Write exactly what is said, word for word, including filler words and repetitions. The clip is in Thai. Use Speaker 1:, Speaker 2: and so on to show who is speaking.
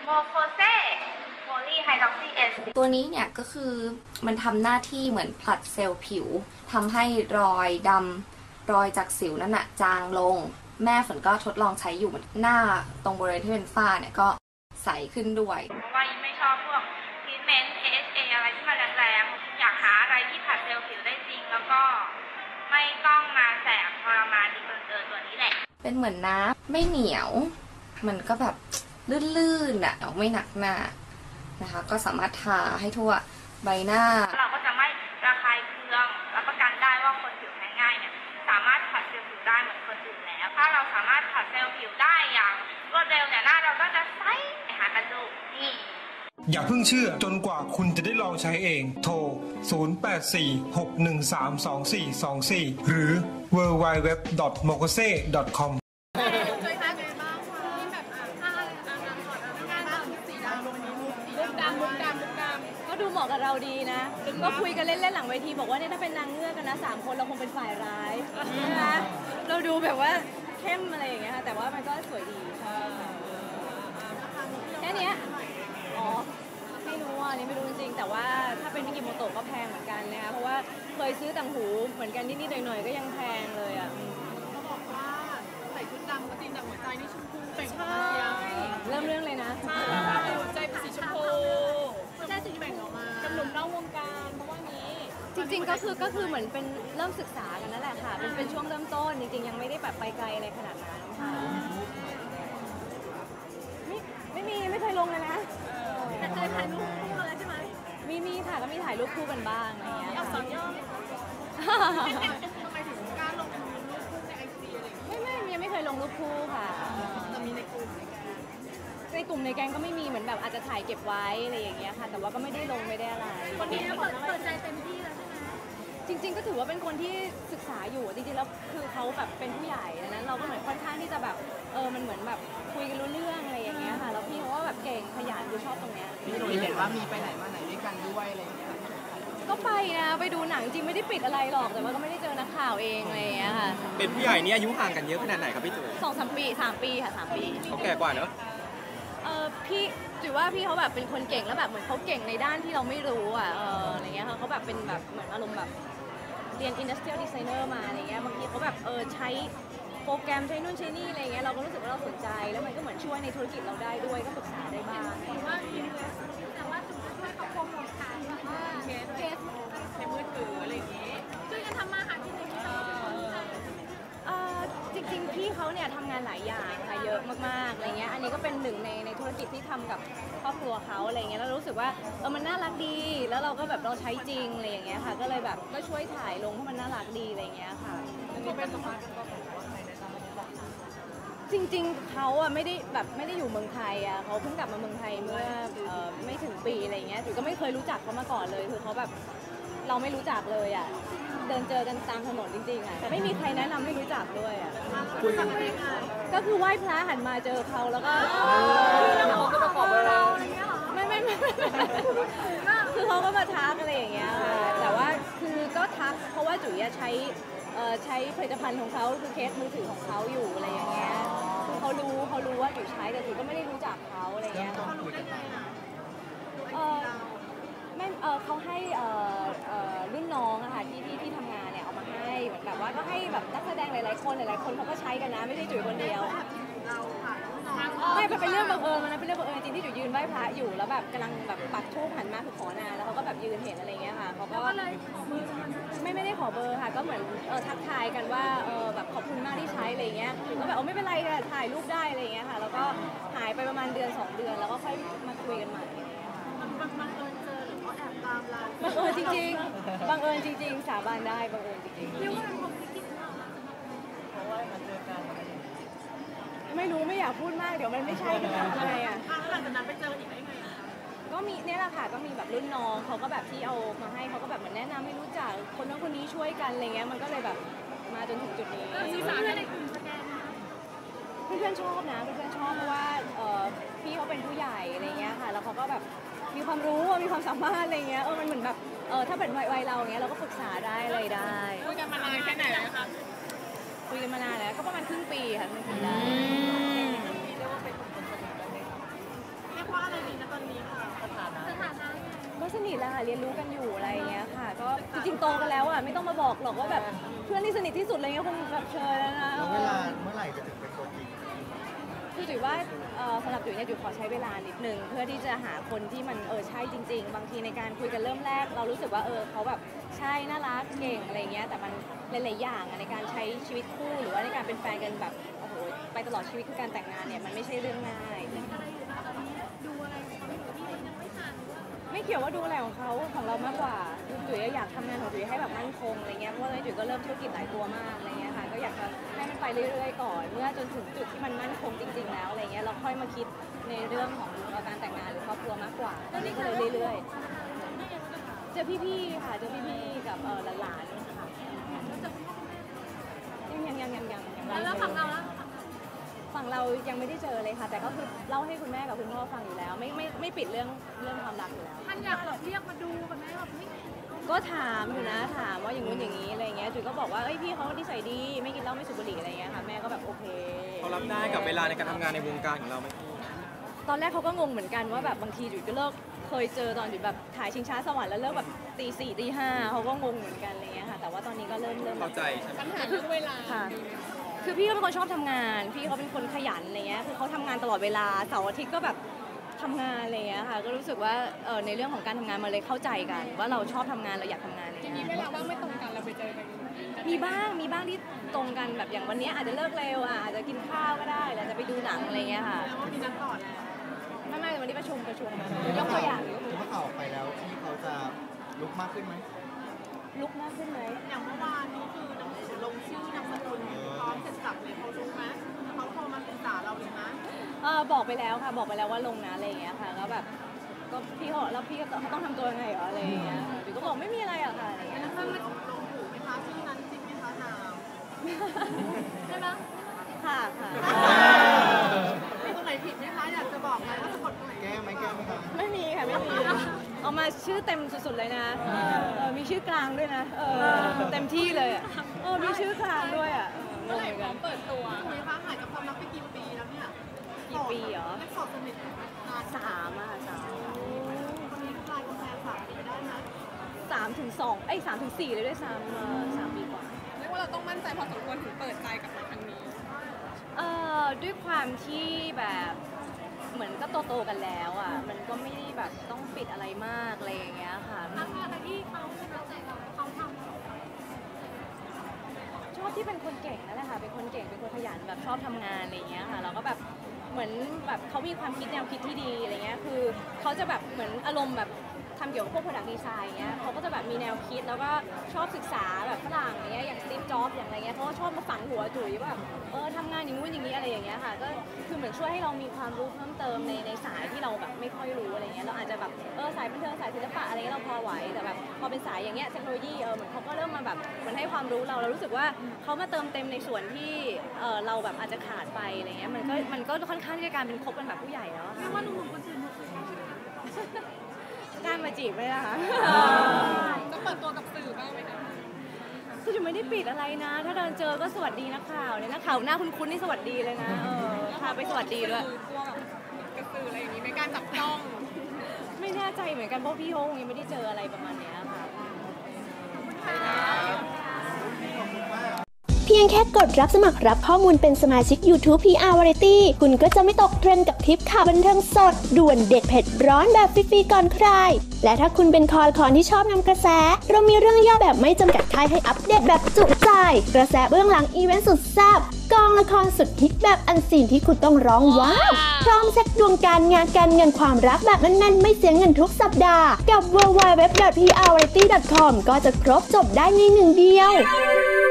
Speaker 1: โมโคเซโพลีไฮดรอกซีเอส
Speaker 2: ตัวนี้เนี่ยก็คือมันทำหน้าที่เหมือนผลัดเซลล์ผิวทำให้รอยดำรอยจากสิวนั่นน่ะจางลงแม่ฝนก็ทดลองใช้อยู่หน้าตรงบริเวณที่เป็นฝ้าเนี่ยก็ใสขึ้นด้วย
Speaker 1: เพราะว่าไม่ชอบพวกทรีทเมนต์ เอ เอช เอ อะไรที่มันแรงๆอยากหาอะไรที่ผลัดเซลล์ผิวได้จริงแล้วก็ไม่ต้องมาแสบทรมานดีเกินเกินตัวนี้แหละ
Speaker 2: เป็นเหมือนน้ำไม่เหนียวมันก็แบบลื่นๆอ่ะไม่หนักหน้านะคะก็สามารถทาให้ทั่วใบหน้า
Speaker 1: เราก็จะไม่ระคายเคืองรับประกันได้ว่าคนผิวแพ้ง่ายเนี่ยสามารถผัดเซลล์ผิวได้เหมือนคนอื่นแล้วถ้าเราสามารถผัดเซลล์ผิวได้อย่างรวดเร็วเนี่ยหน้าเราก็จะใสหากันดูนี่
Speaker 3: อย่าเพิ่งเชื่อจนกว่าคุณจะได้ลองใช้เองโทรศูนย์ แปด สี่ หก หนึ่ง สาม สอง สี่ สอง สี่ หรือ ดับเบิลยู ดับเบิลยู ดับเบิลยู ดอท โมโคเซ ดอท คอม
Speaker 4: ก็ดูเหมาะกับเราดีนะก็คุยกันเล่นๆหลังเวทีบอกว่าเนี่ยถ้าเป็นนางเงือกกันนะสามคนเราคงเป็นฝ่ายร้ายใช่ไหมเราดูแบบว่าเข้มอะไรอย่างเงี้ยแต่ว่ามันก็สวยดีแค่นี้อ๋อไม่รู้อ่ะนี่ไม่รู้จริงๆแต่ว่าถ้าเป็นมิกิโมโตะก็แพงเหมือนกันนะคะเพราะว่าเคยซื้อต่างหูเหมือนกันนิดๆหน่อยๆก็ยังแพงเลยอ่ะ
Speaker 5: เขาบอกว่าใส่ชุดดำก็ตีนดังหัวใจนี่ชมพูเป็นใช่
Speaker 4: เริ่มเรื่องเลยนะ
Speaker 5: ใช่หัวใจเป็นสีชมพูใช่สีแบ่งออกมาเป็นหนุ่มนอกวงการเพราะว่านี้
Speaker 4: จริงๆก็คือก็คือเหมือนเป็นเริ่มศึกษากันนั่นแหละค่ะเป็นเป็นช่วงเริ่มต้นจริงๆยังไม่ได้แบบไปไกลอะไรขนาดนั้นค่ะไม่ไม่มีไม่เคยลงเลยนะ
Speaker 5: แต่เคยถ่ายรูปคู่อะไรใช่ไหม
Speaker 4: มีมีค่ะก็มีถ่ายรูปคู่กันบ้างอะไรอย่างเงี้ย
Speaker 5: เอาสอนย่อทำไมถึงกล้าลงรูปคู่ในไอจีอะไร
Speaker 4: ไม่ไม่ยังไม่เคยลงรูปคู่ค่ะ
Speaker 5: แต่มีในกลุ่ม
Speaker 4: ในกลุ่มในแก๊งก็ไม่มีเหมือนแบบอาจจะถ่ายเก็บไว้อะไรอย่างเงี้ยค่ะแต่ว่าก็ไม่ได้ลงไม่ได้อะไร
Speaker 5: คนนี้เปิดเปิดใจเต็มที่แล้วใช่ไหม
Speaker 4: จริงๆก็ถือว่าเป็นคนที่ศึกษาอยู่จริงๆแล้วคือเขาแบบเป็นผู้ใหญ่ดังนั้นเราก็เหมือนค่อนข้างที่จะแบบเออมันเหมือนแบบคุยกันรู้เรื่องอะไรอย่างเงี้ยค่ะแล้วพี่เขาก็แบบเก่งขยันดูชอบตรงเนี้ย
Speaker 5: พี่หนุ่ยเห็นว่ามีไปไหนมาไหนด้วยกันด้วยอะไรอย่างเงี้ย
Speaker 4: ก็ไปนะไปดูหนังจริงไม่ได้ปิดอะไรหรอกแต่ว่าก็ไม่ได้เจอนักข่าวเองอะไรอย่างเงี้ยค่ะ
Speaker 6: เป็นผู้ใหญ่นี่อายุห่างกันเยอะขนาดไหนครับพี่จุ๋ย
Speaker 4: สองสามปีสามปีค่ะสามปี
Speaker 6: เขาแก่กว่าเนอะ
Speaker 4: เออพี่จุ๋ยว่าพี่เขาแบบเป็นคนเก่งแล้วแบบเหมือนเขาเก่งในด้านที่เราไม่รู้อ่ะเอออะไรเงี้ยเขาแบบเป็นแบบเหมือนอารมณ์แบบเรียน industrial designer มาอะไรเงี้ยบางทีเขาแบบเออใช้โปรแกรมใช้นู่นใช้นี่อะไรเงี้ยเราก็รู้สึกว่าเราสนใจแล้วมันก็เหมือนช่วยในธุรกิจเราได้ด้วยก็ปรึกษาได้บ้าง
Speaker 5: ว่าแต่ว่าจุ๋ยช่วยเขาโปรโมทขายแบบว่าเคสเคสในมือถืออะไรอย่างเงี้ยช่วยกันทำมาหากินในที่เรา
Speaker 4: จริงๆพี่เขาเนี่ยทำงานหลายอย่างค่ะเยอะมากๆอะไรเงี้ยอันนี้ก็เป็นหนึ่งในในธุรกิจที่ทำกับครอบครัวเขาอะไรเงี้ยแล้วรู้สึกว่าเออมันน่ารักดีแล้วเราก็แบบเราใช้จริงอะไรอย่างเงี้ยค่ะก็เลยแบบก็ช่วยถ่ายลงให้มันน่ารักดีอะไรเงี้ยค่ะจริงๆเขาอ่ะไม่ได้แบบไม่ได้อยู่เมืองไทยอ่ะเขาเพิ่งกลับมาเมืองไทยเมื่อไม่ถึงปีอะไรเงี้ยจุ๋ยก็ไม่เคยรู้จักเขามาก่อนเลยคือเขาแบบเราไม่รู้จักเลยอ่ะเดินเจอกันตามถนนจริงๆอ่ะไม่มีใครแนะนำให้รู้จักด้วยอ่ะก็คือไหว้พระหันมาเจอเขาแล้วก็
Speaker 5: เขาก็ประกอบเรา
Speaker 4: ไม่ไม่ไม่คือเขาก็มาทักอะไรอย่างเงี้ยแต่ว่าคือก็ทักเพราะว่าจุ๋ยใช้ใช้ผลิตภัณฑ์ของเขาคือเคสมือถือของเขาอยู่อะไรอย่างเงี้ยคือเขารู้เขารู้ว่าจุ๋ยใช้แต่จุ๋ยก็ไม่ได้รู้จักเขาอะไรเงี้ยไม่เออเขาให้เอ่อเอ่อรุ่นน้องอะค่ะที่ที่ที่ทำงานเนี่ยเอามาให้เหมือนแบบว่าก็ให้แบบนักแสดงหลายๆคนหลายๆคนเขาก็ใช้กันนะไม่ใช่จุ๋ยคนเดียวไม่เป็นเรื่องบังเอิญมันเป็นเรื่องบังเอิญจริงที่จุ๋ยยืนไหว้พระอยู่แล้วแบบกำลังแบบปักธูปหันมาคือขอนานแล้วเขาก็แบบยืนเห็นอะไรเงี้ยค่ะเขาก็ไม่ไม่ได้ขอเบอร์ค่ะก็เหมือนเออทักทายกันว่าเออแบบขอบคุณมากที่ใช้อะไรเงี้ยก็แบบเออไม่เป็นไรค่ะถ่ายรูปได้อะไรเงี้ยค่ะแล้วก็หายไปประมาณเดือนสองเดือนแล้วก็ค่อยมาคุยกันใหม่
Speaker 5: บังเอิญเจอหรือเขาแอบตามเรา
Speaker 4: บังเอิญจริงๆบังเอิญจริงๆสาบานได้บังเอิญจริงๆ
Speaker 5: เรียกว่าเป็นความคิดเพราะว่ามาเจอกัน
Speaker 4: ไม่รู้ไม่อยากพูดมากเดี๋ยวมันไม่ใช่กันทำไงอ่ะ
Speaker 5: หลังจากนั้นไปเจออีกได้ไง
Speaker 4: ก็มีเนี่ยแหละค่ะก็มีแบบรุ่นน้องเขาก็แบบที่เอามาให้เขาก็แบบเหมือนแนะนำให้รู้จักคนนั้นคนนี้ช่วยกันอะไรเงี้ยมันก็เลยแบบมาจนถึงจุดนี้
Speaker 5: สื่อสารในกลุ่มสแกน
Speaker 4: เพื่อนๆชอบนะเพื่อนๆชอบเพราะว่าพี่เขาเป็นผู้ใหญ่อะไรเงี้ยค่ะแล้วเขาก็แบบมีความรู้มีความสามารถอะไรเงี้ยเออมันเหมือนแบบเออถ้าเป็นวัยเราเงี้ยเราก็ปรึกษาได้อะไรได้
Speaker 5: คุยกันมานานแค่ไหนแล้วคะ
Speaker 4: คุยกันมานานแล้วก็ประมาณครึ่งปีค่ะครึ่งปีได้
Speaker 5: เรียกว่าเป็นคนสนิทกันเลยค่ะเรียกว่า
Speaker 4: สนิทแล้วค่ะเรียนรู้กันอยู่อะไรอย่างเงี้ยค่ะก็จริงๆโตกันแล้วอ่ะไม่ต้องมาบอกหรอกว่าแบบเพื่อนที่สนิทที่สุดอะไรเงี้ยคงแบบเชิญแล้วนะ
Speaker 7: แล้วเวลาเมื่อไหร่จะถึงเป็นตัวจริง
Speaker 4: คือจุ๋ยว่าเอ่อสำหรับจุ๋ยเนี่ยจุ๋ยขอใช้เวลานิดนึงเพื่อที่จะหาคนที่มันเออใช่จริงๆบางทีในการคุยกันเริ่มแรกเรารู้สึกว่าเออเขาแบบใช่น่ารักเก่งอะไรเงี้ยแต่มันหลายๆอย่างอะในการใช้ชีวิตคู่หรือว่าในการเป็นแฟนกันแบบโอ้โหไปตลอดชีวิตคือการแต่งงานเนี่ยมันไม่ใช่เรื่องง่ายไม่เกี่ยวว่าดูอะไรของเขาของเรามากกว่าจุ๋ยอยากทำงานของจุ๋ยให้แบบมั่นคงอะไรเงี้ยเพราะว่าจุ๋ยก็เริ่มธุรกิจหลายตัวมากอะไรเงี้ยค่ะก็อยากจะให้มันไปเรื่อยๆก่อนเมื่อจนถึงจุดที่มันมั่นคงจริงๆแล้วอะไรเงี้ยเราค่อยมาคิดในเรื่องของการแต่งงานหรือครอบครัวมากกว่าตอนนี้ก็เลยเรื่อยๆเจอพี่ๆค่ะเจอพี่ๆกับเออหลานๆค่ะยังยังยังยังยังแล้วฝั่งเราฝั่งเรายังไม่ได้เจอเลยค่ะแต่ก็คือเล่าให้คุณแม่กับคุณพ่อฟังอยู่แล้วไม่ไม่ไม่ปิดเรื่องเรื่องความรักอยู่แล้ว
Speaker 5: ท่านอยากแบบเรียกมาดูกันไหมแบบไม่
Speaker 4: ก็ถามอยู่นะถามว่าอย่างงู้นอย่างนี้อะไรเงี้ยจุ๋ยก็บอกว่าเอ้ยพี่เขานิสัยดีไม่กินเหล้าไม่สูบบุหรี่อะไรเงี้ยค่ะแม่ก็แบบโอเค
Speaker 6: เขารับได้กับเวลาในการทำงานในวงการของเราไหมพี่
Speaker 4: ตอนแรกเขาก็งงเหมือนกันว่าแบบบางทีจุ๋ยก็เลิกเคยเจอตอนจุ๋ยแบบถ่ายชิงช้าสวรรค์แล้วเลิกแบบตีสี่ตีห้าเขาก็งงเหมือนกันอะไรเงี้ยค่ะแต่ว่าตอนนี้ก็เริ่มเริ่ม
Speaker 6: เข้าใจใช่ไหม
Speaker 5: ปัญหาเรื่องเวลา
Speaker 4: ค่ะคือพี่เขาเป็นคนชอบทำงานพี่เขาเป็นคนขยันอะไรเงี้ยคือเขาทำงานตลอดเวลาเสาร์อาทิตย์ก็แบบทำงานอะไรเงี้ยค่ะก็รู้สึกว่าเออในเรื่องของการทำงานมันเลยเข้าใจกันว่าเราชอบทำงานเราอยากทำงานอะไร
Speaker 5: มี
Speaker 4: เงี้ย
Speaker 5: เวลาว่างไม่ตรงกันเราไปเจอกัน
Speaker 4: มีบ้างมีบ้างที่ตรงกันแบบอย่างวันนี้อาจจะเลิกเร็วอ่ะอาจจะกินข้าวก็ได้หรืออาจจะไปดูหนังอะไรเงี้ยค่ะ
Speaker 5: แล้วว่ามีนัดต่อแล้ว
Speaker 4: ไม่ไม่วันนี้ประชุมประชุมยกตัวอย่างยกตัวอ
Speaker 7: เมื่
Speaker 4: ย่าง
Speaker 7: อข่าวออกไปแล้วที่เขาจะลุกมากขึ้นไหม
Speaker 4: ลุกมากขึ้นไหม
Speaker 5: อย่างเมื่อวานนี้คือหนังสือลงชื่อนามสกุลพร้อมเสร็จสับเลยเขารู้ไหมเขาโทรมาปรึกษาเราเลยนะ
Speaker 4: เออบอกไปแล้วค่ะบอกไปแล้วว่าลงนะอะไรเงี้ยค่ะก็แบบก็พี่เขาแล้วพี่ก็เขาต้องทำตัวยังไงเหรออะไรเงี้ยจุ๋ยก็บอกไม่มีอะไรอะค่ะอะไรเงี้ย
Speaker 5: แล้วมันลงถูกไหมคะชื่อนั้นจริงไหมคะนามใช่ไหม
Speaker 4: ค่ะค่ะ
Speaker 5: มีตรงไหนผิดไหมคะอยากจะบอกไหมว่าสะกดตรงไหน
Speaker 7: แก้ไหมแก้ไหมครับ
Speaker 4: ไม่มีค่ะไม่มีเอามาชื่อเต็มสุดๆเลยนะเออมีชื่อกลางด้วยนะเออเต็มที่เลยอะเออมีชื่อกลางด้วยอะง
Speaker 5: เมื่อง ไหร่
Speaker 4: เหมือน
Speaker 5: พร้
Speaker 4: กั
Speaker 5: อน มเปิดตัวคุยคะหายกับความรักไปกี่ปีแล้วเนี่ย
Speaker 4: กี่ปีเหรอ
Speaker 5: ไม่สอบสนิทนาน
Speaker 4: สามอะค่ะสาม
Speaker 5: คนนี้กลายเป็นแฟนสามปีได้ไหม
Speaker 4: สามถึงสองเอ้ยสามถึงสี่เลยด้วยซ้ำเออสามปีกว่า
Speaker 5: เรียกว่าเราต้องมั่นใจพอสมควรถึงเปิดใจกับครั้งนี้
Speaker 4: เอ่อด้วยความที่แบบเหมือนก็โตๆกันแล้วอ่ะมันก็ไม่ได้แบบต้องปิดอะไรมากอะไรอย่างเงี้ยค่ะ
Speaker 5: อะไรที่เขาประทับใจเราเขาทำ
Speaker 4: ชอบที่เป็นคนเก่งนั่นแหละค่ะเป็นคนเก่งเป็นคนขยันแบบชอบทำงานอะไรอย่างเงี้ยค่ะแล้วก็แบบเหมือนแบบเขามีความคิดแนวคิดที่ดีอะไรเงี้ยคือเขาจะแบบเหมือนอารมณ์แบบทำเกี่ยวกับพวก product design เงี้ยเขาก็จะแบบมีแนวคิดแล้วก็ชอบศึกษาแบบฝรั่งอย่างเงี้ยอย่าง Steve Jobs อย่างไรเงี้ยเขาก็ชอบมาฝังหัวจุ๋ยว่าแบบเออทำงานอย่างงู้นอย่างนี้อะไรอย่างเงี้ยค่ะก็คือเหมือนช่วยให้เรามีความรู้เพิ่มเติมในในสายที่เราแบบไม่ค่อยรู้อะไรเงี้ยเราอาจจะแบบเออสายบันเทิงสายศิลปะอะไรเงี้ยเราพอไหวแต่แบบพอเป็นสายอย่างเงี้ยเทคโนโลยีเออเหมือนเขาก็เริ่มมาแบบเหมือนให้ความรู้เราเรารู้สึกว่าเขามาเติมเต็มในส่วนที่เออเราแบบอาจจะขาดไปอะไรเงี้ยมันก็มันก็ค่อนข้างที่จะการเป็นคบกันแบบผู้ใหญ่แล้วอะ
Speaker 5: เรี
Speaker 4: ค่ะ
Speaker 5: ยกว่าหนุ่มๆคนอื่นหมดเลย
Speaker 4: กล้ามาจีบไหมล่ะคะ
Speaker 5: จะเปิดตัวกับสื่อบ้างไหมคะ
Speaker 4: คือจะไม่ได้ปิดอะไรนะ ถ้าเดินเจอก็สวัสดีนักข่าวเนี่ยนักข่าวหน้าคุ้นๆนี่สวัสดีเลยนะเออพาไปสวัสดีด้วย
Speaker 5: กลัวแบบกระสืออะไรอย่างนี้ไม่กล้าจับจ้อง
Speaker 4: ไม่แน่ใจเหมือนกันเพราะพี่โฮงยังไม่ได้เจออะไรประมาณเนี้ยค่ะ
Speaker 8: เพียงแค่กดรับสมัครรับข้อมูลเป็นสมาชิก YouTube พี อาร์ Variety คุณก็จะไม่ตกเทรนด์กับทริปข่าวบันเทิงสด ด่วนเด็ดเผ็ดร้อนแบบฟรีๆก่อนใคร และถ้าคุณเป็นคอละคอนที่ชอบนำกระแส เรามีเรื่องย่อแบบไม่จำกัดค่ายให้อัปเดตแบบจุใจ กระแสเบื้องหลังอีเวนต์สุดแซ่บกองละครสุดฮิตแบบอันซีนที่คุณต้องร้องว้าวพร้อมเซ็ตดวงการงานการเงินความรักแบบแน่นๆไม่เสียเงินทุกสัปดาห์กับ ดับเบิลยู ดับเบิลยู ดับเบิลยู ดอท พี อาร์ วาไรตี้ ดอท คอม ก็จะครบจบได้ในหนึ่งเดียว